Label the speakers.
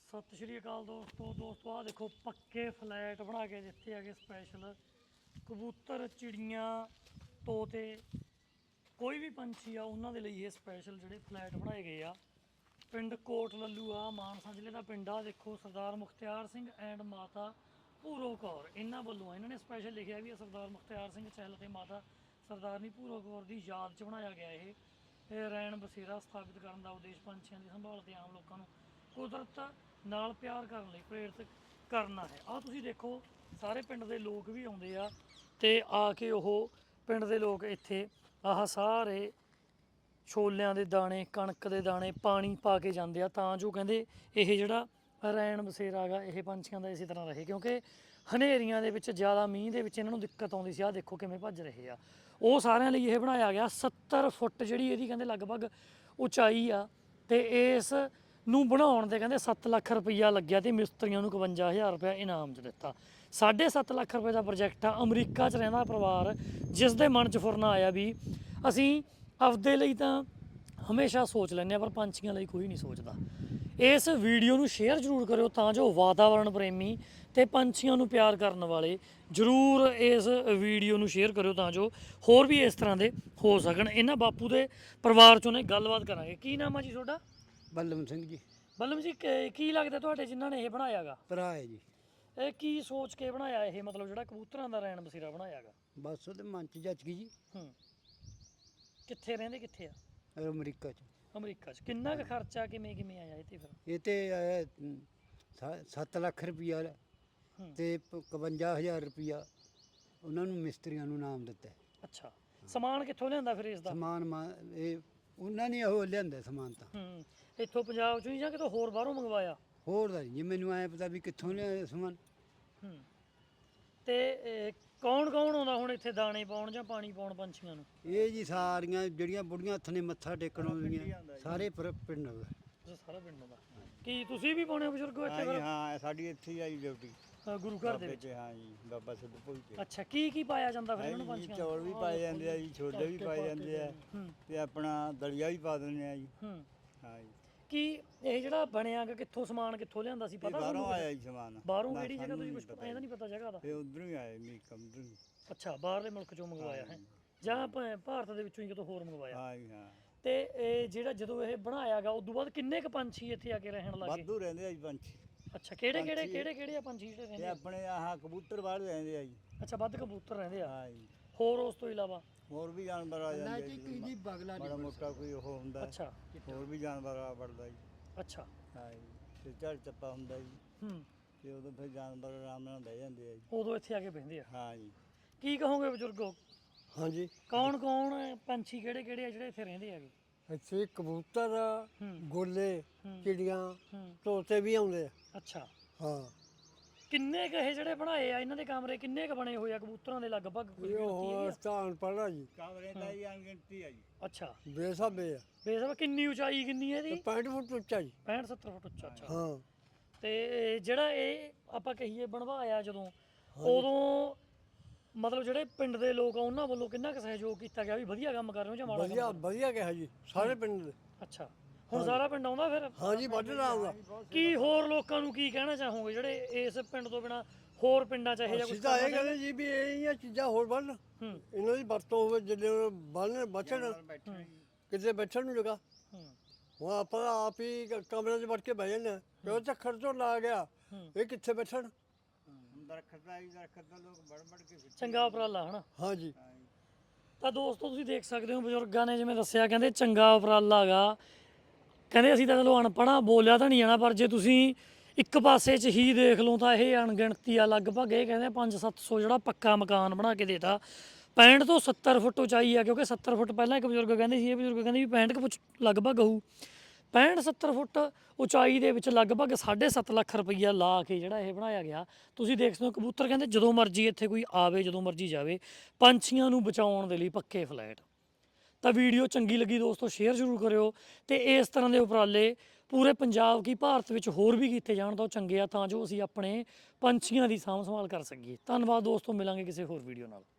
Speaker 1: ਸਤਿ ਸ਼੍ਰੀ ਅਕਾਲ ਦੋਸਤੋ ਆ ਦੇਖੋ ਪੱਕੇ ਫਲੈਟ ਬਣਾ ਕੇ ਦਿੱਤੇ ਹੈਗੇ ਸਪੈਸ਼ਲ ਕਬੂਤਰ ਚਿੜੀਆਂ ਤੋਤੇ ਕੋਈ ਵੀ ਪੰਛੀ ਆ ਉਹਨਾਂ ਦੇ ਲਈ ਇਹ ਸਪੈਸ਼ਲ ਜਿਹੜੇ ਫਲੈਟ ਬਣਾਏ ਗਏ ਆ। ਪਿੰਡ ਕੋਟ ਲੱਲੂ ਆ ਮਾਨਸਾ ਜ਼ਿਲ੍ਹੇ ਦਾ ਪਿੰਡ ਆ। ਦੇਖੋ ਸਰਦਾਰ ਮੁਖਤਿਆਰ ਸਿੰਘ ਐਂਡ ਮਾਤਾ ਭੂਰੋ ਕੌਰ ਇਹਨਾਂ ਵੱਲੋਂ ਇਹਨਾਂ ਨੇ ਸਪੈਸ਼ਲ ਲਿਖਿਆ ਵੀ ਸਰਦਾਰ ਮੁਖਤਿਆਰ ਸਿੰਘ ਚਹਿਲ ਅਤੇ ਮਾਤਾ ਸਰਦਾਰਨੀ ਭੂਰੋ ਕੌਰ ਦੀ ਯਾਦ 'ਚ ਬਣਾਇਆ ਗਿਆ ਇਹ ਰੈਣ ਬਸੇਰਾ ਸਥਾਪਿਤ ਕਰਨ ਦਾ ਉਦੇਸ਼ ਪੰਛੀਆਂ ਦੀ ਸੰਭਾਲ ਤੇ ਆਮ ਲੋਕਾਂ ਨੂੰ ਕੁਦਰਤ ਨਾਲ ਪਿਆਰ ਕਰਨ ਲਈ ਪ੍ਰੇਰਿਤ ਕਰਨਾ ਹੈ। ਆਹ ਤੁਸੀਂ ਦੇਖੋ ਸਾਰੇ ਪਿੰਡ ਦੇ ਲੋਕ ਵੀ ਆਉਂਦੇ ਆ ਤੇ ਆ ਕੇ ਉਹ ਪਿੰਡ ਦੇ ਲੋਕ ਇੱਥੇ ਆਹ ਸਾਰੇ ਛੋਲਿਆਂ ਦੇ ਦਾਣੇ ਕਣਕ ਦੇ ਦਾਣੇ ਪਾਣੀ ਪਾ ਕੇ ਜਾਂਦੇ ਆ ਤਾਂ ਜੋ ਕਹਿੰਦੇ ਇਹ ਜਿਹੜਾ ਰੈਣ ਬਸੇਰਾ ਹੈਗਾ ਇਹ ਪੰਛੀਆਂ ਦਾ ਇਸੇ ਤਰ੍ਹਾਂ ਰਹੇ, ਕਿਉਂਕਿ ਹਨੇਰੀਆਂ ਦੇ ਵਿੱਚ ਜ਼ਿਆਦਾ ਮੀਂਹ ਦੇ ਵਿੱਚ ਇਹਨਾਂ ਨੂੰ ਦਿੱਕਤ ਆਉਂਦੀ ਸੀ। ਆਹ ਦੇਖੋ ਕਿਵੇਂ ਭੱਜ ਰਹੇ ਆ। ਉਹ ਸਾਰਿਆਂ ਲਈ ਇਹ ਬਣਾਇਆ ਗਿਆ 70 ਫੁੱਟ ਜਿਹੜੀ ਇਹਦੀ ਕਹਿੰਦੇ ਲਗਭਗ ਉਚਾਈ ਆ ਤੇ ਇਸ ਨੂੰ ਬਣਾਉਣ ਦੇ ਕਹਿੰਦੇ 7 ਲੱਖ ਰੁਪਈਆ ਲੱਗਿਆ ਤੇ ਮਿਸਤਰੀਆਂ ਨੂੰ 51,000 ਰੁਪਇਆ ਇਨਾਮ 'ਚ ਦਿੱਤਾ। 7.5 ਲੱਖ ਰੁਪਏ ਦਾ ਪ੍ਰੋਜੈਕਟ ਆ। ਅਮਰੀਕਾ 'ਚ ਰਹਿੰਦਾ ਪਰਿਵਾਰ ਜਿਸ ਦੇ ਮਨ 'ਚ ਫੁਰਨਾ ਆਇਆ ਵੀ ਅਸੀਂ ਆਪਦੇ ਲਈ ਤਾਂ ਹਮੇਸ਼ਾ ਸੋਚ ਲੈਂਦੇ ਆ ਪਰ ਪੰਛੀਆਂ ਲਈ ਕੋਈ ਨਹੀਂ ਸੋਚਦਾ। ਇਸ ਵੀਡੀਓ ਨੂੰ ਸ਼ੇਅਰ ਜ਼ਰੂਰ ਕਰਿਓ ਤਾਂ ਜੋ ਵਾਤਾਵਰਣ ਪ੍ਰੇਮੀ ਤੇ ਪੰਛੀਆਂ ਨੂੰ ਪਿਆਰ ਕਰਨ ਵਾਲੇ ਜ਼ਰੂਰ ਇਸ ਵੀਡੀਓ ਨੂੰ ਸ਼ੇਅਰ ਕਰਿਓ ਤਾਂ ਜੋ ਹੋਰ ਵੀ ਇਸ ਤਰ੍ਹਾਂ ਦੇ ਹੋ ਸਕਣ। ਇਹਨਾਂ ਬਾਪੂ ਦੇ ਪਰਿਵਾਰ 'ਚੋਂ ਨੇ ਗੱਲਬਾਤ ਕਰਾਂਗੇ। ਕੀ ਨਾਮ ਆ ਜੀ ਤੁਹਾਡਾ?
Speaker 2: ਬੱਲਮ ਸਿੰਘ ਜੀ।
Speaker 1: ਬੱਲਮ ਜੀ ਕੀ ਲੱਗਦਾ ਤੁਹਾਡੇ ਜਿਨ੍ਹਾਂ ਨੇ ਇਹ ਬਣਾਇਆਗਾ?
Speaker 2: ਭਰਾ ਹੈ ਜੀ।
Speaker 1: ਇਹ ਕੀ ਸੋਚ ਕੇ ਬਣਾਇਆ ਇਹ ਮਤਲਬ ਜਿਹੜਾ ਕਬੂਤਰਾਂ ਦਾ ਰੈਣ ਬਸੇਰਾ ਬਣਾਇਆਗਾ?
Speaker 2: ਬਸ ਉਹਦੇ ਮਨ 'ਚ ਜੱਚ ਗਈ ਜੀ।
Speaker 1: ਕਿੱਥੇ ਰਹਿੰਦੇ ਕਿੱਥੇ ਆ?
Speaker 2: ਅਮਰੀਕਾ 'ਚ।
Speaker 1: ਅਮਰੀਕਾ 'ਚ ਕਿੰਨਾ ਕੁ ਖਰਚਾ ਕਿਵੇਂ ਆਇਆ ਇਹ ਤੇ ਫਿਰ?
Speaker 2: ਇਹ ਤੇ ਆਇਆ 7 ਲੱਖ ਰੁਪਈਆ ਤੇ 51,000 ਰੁਪਈਆ ਉਹਨਾਂ ਨੂੰ ਮਿਸਤਰੀਆਂ ਨੂੰ ਨਾਮ ਦਿੱਤਾ।
Speaker 1: ਅੱਛਾ, ਸਮਾਨ ਕਿੱਥੋਂ ਲਿਆਂਦਾ ਫਿਰ ਇਸ ਦਾ?
Speaker 2: ਸਮਾਨ ਇਹ ਉਹਨਾਂ ਨੇ ਉਹ ਲਿਆਂਦਾ ਸਮਾਨ ਤਾਂ
Speaker 1: ਇੱਥੋਂ ਪੰਜਾਬ 'ਚੋਂ ਹੀ ਜਾਂ ਕਿਤੋਂ ਹੋਰ ਬਾਹਰੋਂ ਮੰਗਵਾਇਆ?
Speaker 2: ਹੋਰ ਦਾ ਜੀ ਮੈਨੂੰ ਐ ਪਤਾ ਵੀ ਕਿੱਥੋਂ ਲਿਆਇਆ ਸਮਾਨ।
Speaker 1: ਤੇ ਕੌਣ ਆਉਂਦਾ ਹੁਣ ਇੱਥੇ ਦਾਣੇ ਪਾਉਣ ਜਾਂ ਪਾਣੀ ਪਾਉਣ ਪੰਛੀਆਂ ਨੂੰ?
Speaker 2: ਇਹ ਜੀ ਸਾਰੀਆਂ ਜਿਹੜੀਆਂ ਬੁੜੀਆਂ ਹੱਥ ਨੇ ਮੱਥਾ ਟੇਕਣ ਆਉਂਦੀਆਂ ਸਾਰੇ ਪਿੰਡ ਦਾ
Speaker 1: ਸਾਰਾ ਪਿੰਡ ਦਾ। ਕੀ ਤੁਸੀਂ ਵੀ ਪਾਉਣੇ ਬਜ਼ੁਰਗੋ ਇੱਥੇ ਫਿਰ?
Speaker 3: ਹਾਂ ਸਾਡੀ ਇੱਥੇ ਹੀ ਆਈ ਡਿਊਟੀ
Speaker 1: ਗੁਰੂ ਘਰ ਦੇ ਵਿੱਚ।
Speaker 3: ਹਾਂ ਜੀ ਬਾਬਾ ਸਿੱਧੂ ਭੋਈ ਤੇ।
Speaker 1: ਅੱਛਾ, ਕੀ ਪਾਇਆ ਜਾਂਦਾ ਫਿਰ ਇਹਨਾਂ ਨੂੰ ਪੰਛੀਆਂ ਨੂੰ?
Speaker 3: ਚੌਲ ਵੀ ਪਾਏ ਜਾਂਦੇ ਆ ਜੀ, ਛੋਲੇ ਵੀ ਪਾਏ ਜਾਂਦੇ ਆ ਤੇ ਆਪਣਾ ਦਲੀਆ ਵੀ ਪਾ ਦਿੰਦੇ ਆ ਜੀ। ਹਾਂ ਜੀ।
Speaker 1: ਕੀ ਇਹ ਜਿਹੜਾ ਬਣਿਆਗਾ ਕਿੱਥੋਂ ਸਮਾਨ ਕਿੱਥੋਂ ਲਿਆਂਦਾ ਸੀ ਪਤਾ?
Speaker 3: ਬਾਹਰੋਂ ਆਇਆ ਜੀ ਸਮਾਨ।
Speaker 1: ਬਾਹਰੋਂ ਕਿਹੜੀ ਜਗ੍ਹਾ ਤੋਂ? ਕੁਝ ਪਤਾ ਇਹਦਾ ਨਹੀਂ ਪਤਾ ਜਗ੍ਹਾ ਦਾ।
Speaker 3: ਇਹ ਉਧਰੋਂ ਹੀ ਆਇਆ ਅਮਰੀਕਾ ਉਧਰੋਂ।
Speaker 1: ਅੱਛਾ, ਬਾਹਰਲੇ ਮੁਲਕ ਚੋਂ ਮੰਗਵਾਇਆ ਹੈ ਜਾਂ ਭਾਰਤ ਦੇ ਵਿੱਚੋਂ ਹੀ ਕਿਤੋਂ ਹੋਰ ਮੰਗਵਾਇਆ?
Speaker 3: ਹਾਂ ਜੀ ਹਾਂ।
Speaker 1: ਤੇ ਇਹ ਜਿਹੜਾ ਜਦੋਂ ਇਹ ਬਣਾਇਆਗਾ ਉਦੋਂ ਬਾਅਦ ਕਿੰਨੇ ਕ ਪੰਛੀ ਇੱਥੇ ਆ ਕੇ ਰਹਿਣ ਲੱਗੇ?
Speaker 3: ਵਾਧੂ ਰਹਿੰਦੇ ਆ ਜੀ ਪੰਛੀ।
Speaker 1: ਅੱਛਾ, ਕਿਹੜੇ ਆ ਪੰਛੀ ਜਿਹੜੇ ਰਹਿੰਦੇ?
Speaker 3: ਇਹ ਆਪਣੇ ਆਹ ਕਬੂਤਰ ਬਾਹਰ ਰਹਿੰਦੇ ਆ ਜੀ।
Speaker 1: ਅੱਛਾ, ਵੱਧ ਕਬੂਤਰ ਰਹਿੰਦੇ ਆ।
Speaker 3: ਹਾਂ ਜੀ।
Speaker 1: ਹੋਰ ਉਸ ਤੋਂ ਇਲਾਵਾ
Speaker 3: ਹੋਰ ਵੀ ਜਾਨਵਰ ਆ ਜਾਂਦੇ ਆ
Speaker 2: ਜੀ। ਬਗਲਾ
Speaker 3: ਮਾੜਾ ਮੋਟਾ ਕੋਈ ਉਹ ਹੁੰਦਾ।
Speaker 1: ਅੱਛਾ,
Speaker 3: ਹੋਰ ਵੀ ਜਾਨਵਰ ਆ ਵੜਦਾ ਜੀ।
Speaker 1: ਅੱਛਾ।
Speaker 3: ਹਾਂ ਜੀ। ਤੇ ਝੜ ਚੱਪਾ ਹੁੰਦਾ ਜੀ ਤੇ ਉਦੋਂ ਫਿਰ ਜਾਨਵਰ ਆਰਾਮ ਨਾਲ ਬਹਿ ਜਾਂਦੇ ਆ ਜੀ।
Speaker 1: ਉਦੋਂ ਇੱਥੇ ਆ ਕੇ ਬਹਿੰਦੇ ਆ।
Speaker 3: ਹਾਂ ਜੀ।
Speaker 1: ਕੀ ਕਹੋਗੇ ਬਜ਼ੁਰਗੋ?
Speaker 2: ਹਾਂਜੀ।
Speaker 1: ਕੌਣ ਪੰਛੀ ਕਿਹੜੇ ਆ ਜਿਹੜੇ ਇੱਥੇ ਰਹਿੰਦੇ ਹੈਗੇ?
Speaker 2: ਇੱਥੇ ਕਬੂਤਰ ਗੋਲੇ ਚਿੜੀਆਂ ਤੋਤੇ ਵੀ ਆਉਂਦੇ ਆ।
Speaker 1: ਅੱਛਾ।
Speaker 2: ਹਾਂ।
Speaker 1: ਕਿੰਨੇ ਕ ਇਹ ਜਿਹੜੇ ਬਣਾਏ ਆ ਇਹਨਾਂ ਦੇ ਕਮਰੇ ਕਿੰਨੇ ਕ ਬਣੇ ਹੋਏ ਆ ਕਬੂਤਰਾਂ ਦੇ ਲਗਭਗ?
Speaker 2: ਉਹ ਸਥਾਨ ਪੜਾ ਜੀ।
Speaker 3: ਕਮਰੇ ਦਾ ਹੀ ਅਣਗਿਣਤੀ ਆ ਜੀ।
Speaker 1: ਅੱਛਾ,
Speaker 2: ਬੇਸਾਬੇ ਆ।
Speaker 1: ਬੇਸਬ ਕਿੰਨੀ ਉਚਾਈ ਕਿੰਨੀ ਹੈ ਇਹਦੀ?
Speaker 2: 65 ਫੁੱਟ ਉੱਚਾ ਜੀ।
Speaker 1: 65-70 ਫੁੱਟ ਉੱਚਾ। ਅੱਛਾ।
Speaker 2: ਹਾਂ।
Speaker 1: ਤੇ ਜਿਹੜਾ ਇਹ ਆਪਾਂ ਕਹੀਏ ਬਣਵਾਇਆ ਜਦੋਂ ਉਦੋਂ ਮਤਲਬ ਜਿਹੜੇ ਪਿੰਡ ਦੇ ਲੋਕ ਆ ਉਹਨਾਂ ਵੱਲੋਂ ਕਿੰਨਾ ਕੁ ਸਹਿਯੋਗ ਕੀਤਾ ਗਿਆ ਵੀ ਵਧੀਆ ਕੰਮ ਕਰ ਰਹੇ ਹੋ ਜਾਂ ਮਾੜਾ?
Speaker 2: ਵਧੀਆ ਕਿਹਾ ਜੀ ਸਾਰੇ ਪਿੰਡ ਦੇ।
Speaker 1: ਅੱਛਾ, ਹੁਣ ਸਾਰਾ ਪਿੰਡ ਆਉਂਦਾ ਫਿਰ?
Speaker 2: ਹਾਂ ਜੀ, ਵੱਢਣਾ ਆਉਂਦਾ।
Speaker 1: ਕੀ ਹੋਰ ਲੋਕਾਂ ਨੂੰ ਕੀ ਕਹਿਣਾ ਚਾਹੋਗੇ ਜਿਹੜੇ ਇਸ ਪਿੰਡ ਤੋਂ ਬਿਨਾ ਹੋਰ ਪਿੰਡਾਂ ਚ ਇਹੋ ਜਿਹਾ ਕੁਝ?
Speaker 2: ਸਿੱਧਾ ਇਹ ਕਹਿੰਦੇ ਜੀ ਵੀ ਇਹ ਚੀਜ਼ਾਂ ਹੋਰ ਵੱਢਣ, ਇਹਨਾਂ ਦੀ ਵਰਤੋਂ ਹੋਵੇ ਜਿਹੜੇ ਬਚਣ ਕਿਤੇ ਬੈਠਣ ਨੂੰ ਜਗ੍ਹਾ। ਹੁਣ ਆਪਾਂ ਆਪ ਹੀ ਕਮਰੇ 'ਚ ਵੜ ਕੇ ਬਹਿ ਜਾਂਦੇ ਕਿਉਂ ਝੱਖੜ ਤੋਂ ਲਾ ਗਿਆ ਇਹ ਕਿੱਥੇ ਬੈਠਣ?
Speaker 3: ਦਰਖਤ ਦਾ ਲੋਕ ਵੜ ਕੇ
Speaker 1: ਚੰਗਾ ਉਪਰਾਲਾ ਹਨਾ।
Speaker 2: ਹਾਂ ਜੀ।
Speaker 1: ਤਾਂ ਦੋਸਤੋ ਤੁਸੀਂ ਦੇਖ ਸਕਦੇ ਹੋ ਬਜ਼ੁਰਗਾਂ ਨੇ ਜਿਵੇਂ ਦੱਸਿਆ ਕਹਿੰਦੇ ਚੰਗਾ ਉਪਰਾਲਾ ਗਾ। ਕਹਿੰਦੇ ਅਸੀਂ ਤਾਂ ਚਲੋ ਅਨਪੜ੍ਹਾਂ ਬੋਲਿਆ ਤਾਂ ਨਹੀਂ ਜਾਣਾ ਪਰ ਜੇ ਤੁਸੀਂ ਇੱਕ ਪਾਸੇ 'ਚ ਹੀ ਦੇਖ ਲਓ ਤਾਂ ਇਹ ਅਣਗਿਣਤੀ ਆ ਲਗਭਗ। ਇਹ ਕਹਿੰਦੇ 500-700 ਜਿਹੜਾ ਪੱਕਾ ਮਕਾਨ ਬਣਾ ਕੇ ਦੇਤਾ। 65 ਤੋਂ 70 ਫੁੱਟ ਉਚਾਈ ਆ ਕਿਉਂਕਿ 70 ਫੁੱਟ ਪਹਿਲਾਂ ਇੱਕ ਬਜ਼ੁਰਗ ਕਹਿੰਦੇ ਸੀ, ਇਹ ਬਜ਼ੁਰਗ ਕਹਿੰਦੇ ਵੀ 65 ਫੁੱਟ ਲਗਭਗ ਹੋਊ। 65-70 ਫੁੱਟ ਉਚਾਈ ਦੇ ਵਿੱਚ ਲਗਭਗ 7.5 ਲੱਖ ਰੁਪਈਆ ਲਾ ਕੇ ਜਿਹੜਾ ਇਹ ਬਣਾਇਆ ਗਿਆ। ਤੁਸੀਂ ਦੇਖ ਸਕਦੇ ਹੋ ਕਬੂਤਰ ਕਹਿੰਦੇ ਜਦੋਂ ਮਰਜ਼ੀ ਇੱਥੇ ਕੋਈ ਆਵੇ ਜਦੋਂ ਮਰਜ਼ੀ ਜਾਵੇ। ਪੰਛੀਆਂ ਨੂੰ ਬਚਾਉਣ ਦੇ ਲਈ ਪੱਕੇ ਫਲੈਟ। ਤਾਂ ਵੀਡੀਓ ਚੰਗੀ ਲੱਗੀ ਦੋਸਤੋ ਸ਼ੇਅਰ ਜ਼ਰੂਰ ਕਰਿਓ ਤੇ ਇਸ ਤਰ੍ਹਾਂ ਦੇ ਉਪਰਾਲੇ ਪੂਰੇ ਪੰਜਾਬ ਕੀ ਭਾਰਤ ਵਿੱਚ ਹੋਰ ਵੀ ਕੀਤੇ ਜਾਣ ਤਾਂ ਉਹ ਚੰਗੇ ਆ ਤਾਂ ਜੋ ਅਸੀਂ ਆਪਣੇ ਪੰਛੀਆਂ ਦੀ ਸਾਂਭ ਸੰਭਾਲ ਕਰ ਸਕੀਏ। ਧੰਨਵਾਦ ਦੋਸਤੋ, ਮਿਲਾਂਗੇ ਕਿਸੇ ਹੋਰ ਵੀਡੀਓ ਨਾਲ।